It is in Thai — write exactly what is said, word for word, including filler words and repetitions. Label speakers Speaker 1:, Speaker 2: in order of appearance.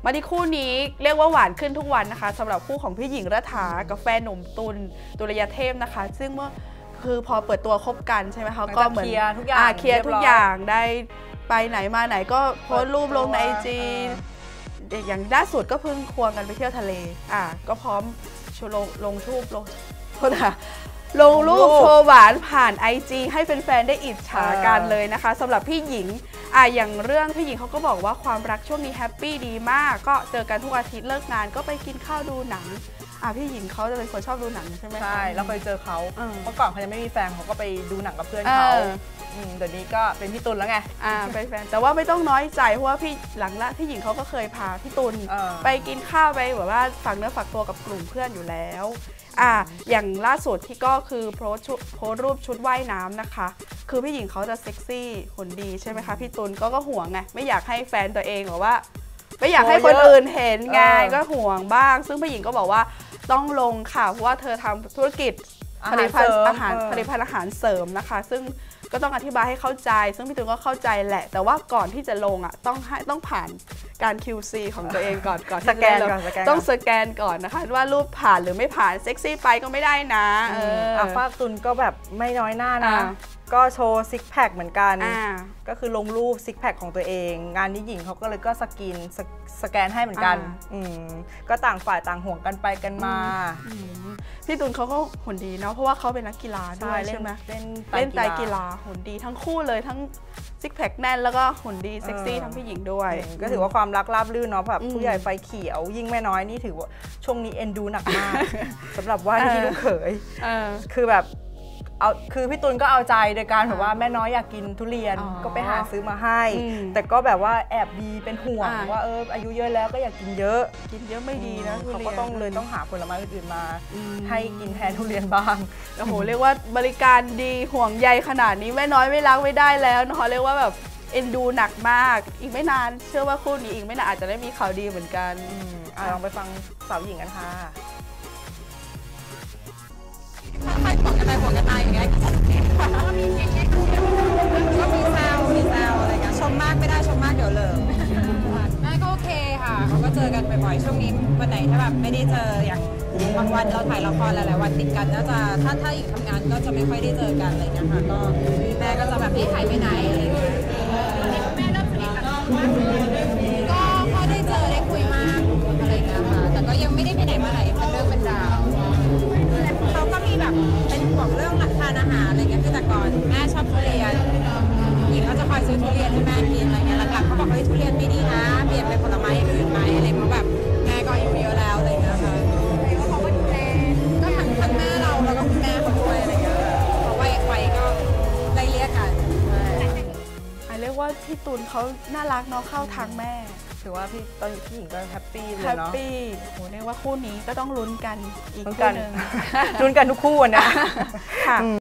Speaker 1: มาที่คู่นี้เรียกว่าหวานขึ้นทุกวันนะคะสำหรับคู่ของพี่หญิงรัฐากับแฟนหนุ่มตุลตุลยเทพนะคะซึ่งเมื่อคือพอเปิดตัวคบกันใช่ไหมคะก็เหมือนเคลียร์ทุกอย่างเคลียร์ทุกอย่างได้ไปไหนมาไหนก็โพสต์รูปลงในไอจีอย่างล่าสุดก็เพิ่งควงกันไปเที่ยวทะเลอ่ะก็พร้อมลงลงรูปลงโทษนะลงรูปโชว์หวานผ่าน ไอ จี ให้แฟนๆได้อิจฉากันเลยนะคะสำหรับพี่หญิงอ่ะอย่างเรื่องพี่หญิงเขาก็บอกว่าความรักช่วงนี้แฮปปี้ดีมากก็เจอกันทุกอาทิตย์เลิกงานก็ไปกินข้าวดูหนังอ่ะพี่หญิงเขาจะเป็นคนชอบดูหนังใช่ไหมใช่
Speaker 2: เราเคยเจอเขาเมื่อก่อนเขายังไม่มีแฟนเขาก็ไปดูหนังกับเพื่อนเขาเดี๋ยวนี้ก็เป็นพี่ตุลแล้วไง
Speaker 1: อ่าเป็นแฟนแต่ว่าไม่ต้องน้อยใจเพราะว่าพี่หลังละพี่หญิงเขาก็เคยพาพี่ตุลไปกินข้าวไปแบบว่าฝากเนื้อฝากตัวกับกลุ่มเพื่อนอยู่แล้วอ่าอย่างล่าสุดที่ก็คือโพสโพสรูปชุดว่ายน้ำนะคะคือพี่หญิงเขาจะเซ็กซี่หุ่นดีใช่ไหมคะพี่ตุลก็ก็ห่วงไงไม่อยากให้แฟนตัวเองหรือว่าไม่อยากให้คนอื่นเห็นไงก็ห่วงบ้างซึ่งพี่หญิงก็บอกว่าต้องลงค่ะเพราะว่าเธอทำธุรกิจผลิตภัณฑ์อาหารผลิตภัณฑ์อาหารเสริมนะคะซึ่งก็ต้องอธิบายให้เข้าใจซึ่งพี่ตุลก็เข้าใจแหละแต่ว่าก่อนที่จะลงอ่ะต้องให้ต้องผ่านการ คิว ซี ของตัวเองก่อนก่อน
Speaker 2: สแกนก่อน
Speaker 1: ต้องสแกนก่อนนะคะว่ารูปผ่านหรือไม่ผ่านเซ็กซี่ไปก็ไม่ได้นะเออ
Speaker 2: ฝ้าตุลก็แบบไม่น้อยหน้านะก็โชว์ซิกแพคเหมือนกันก็คือลงรูปซิกแพคของตัวเองงานนี้หญิงเขาก็เลยก็สกินสแกนให้เหมือนกันก็ต่างฝ่ายต่างห่วงกันไปกันมา
Speaker 1: พี่ตุลเขาก็หุ่นดีเนาะเพราะว่าเขาเป็นนักกีฬาด้วยใช่ไหมเล่นเล่นไตรกีฬาหุ่นดีทั้งคู่เลยทั้งซิกแพคแน่นแล้วก็หุ่นดีเซ็กซี่ทั้งพี่หญิงด้วย
Speaker 2: ก็ถือว่าความรักราบรื่นเนาะแบบผู้ใหญ่ไฟเขียวยิ่งแม่น้อยนี่ถือว่าช่วงนี้เอ็นดูหนักมากสำหรับว่าที่ลูกเขยคือแบบเอาคือพี่ตุลก็เอาใจโดยการแบบว่าแม่น้อยอยากกินทุเรียนก็ไปหาซื้อมาให้แต่ก็แบบว่าแอบดีเป็นห่วงว่าเอออายุเยอะแล้วก็อยากกินเยอะ
Speaker 1: กินเยอะไม่ดีนะ
Speaker 2: เขาก็ต้องเลยต้องหาผลไม้อื่นๆมาให้กินแทนทุเรียนบ้าง
Speaker 1: โอ้โหเรียกว่าบริการดีห่วงใยขนาดนี้แม่น้อยไม่รักไม่ได้แล้วนะคะเรียกว่าแบบเอ็นดูหนักมากอีกไม่นานเชื่อว่าคู่นี้อีกไม่นานอาจจะได้มีข่าวดีเหมือนกัน
Speaker 2: ลองไปฟังสาวหญิงกันค่ะ
Speaker 3: ใครบอกกันไปบอกกันมาอย่างเงี้ยก็มีก็มีแซวมีแซวอะไรเงี้ยชมมากไม่ได้ชมมากเดี๋ยวเลยแม่ก็โอเคค่ะเขาก็เจอกันบ่อยๆช่วงนี้วันไหนถ้าแบบไม่ได้เจออย่างบางวันเราถ่ายละครหลายๆวันติดกันก็จะถ้าถ้าอีกทำงานก็จะไม่ค่อยได้เจอกันอะไรเงี้ยค่ะก็แม่ก็จะแบบไม่หายไปไหนอะไรเงี้ยแม่เริ่มสนิทกันก็พอได้เจอได้คุยมากอะไรเงี้ยค่ะแต่ก็ยังไม่ได้ไปไหนมาไหนเป็นเรื่องเป็นราวเขาก็มีแบบเป็นห่วงเรื่องทานอาหารอะไรเงี้ยคือแต่ก่อนแม่ชอบทุเรียนหญิงก็จะคอยซื้อทุเรียนให้แม่กินอะไรเงี้ยหลังๆเขาบอกเฮ้ยทุเรียนไม่ดีนะเปลี่ยนเป็นผลไม้อื่นไหมอะไรเพราะแบบแม่ก็อายุเยอะแล้วอะไรเงี้ยค่ะแล้วเขาก็ดูแลก็ทั้งทั้งแม่เราแล้วก็คุณแม่เขาด้วยอะไรเงี้ยเพราะว่าวัยก็ไล่เลี่ยกัน
Speaker 1: เรียกว่าพี่ตุลเขาน่ารักเนาะเข้าทางแม่
Speaker 2: ถือว่าพี่ตอนพี่หญิงก็แฮปปี้เลยเนาะ
Speaker 1: แฮปปี้โหเรียกว่าคู่นี้ก็ต้องลุ้นกันอีก
Speaker 2: คู่นึงลุ้นกันทุกคู่นะ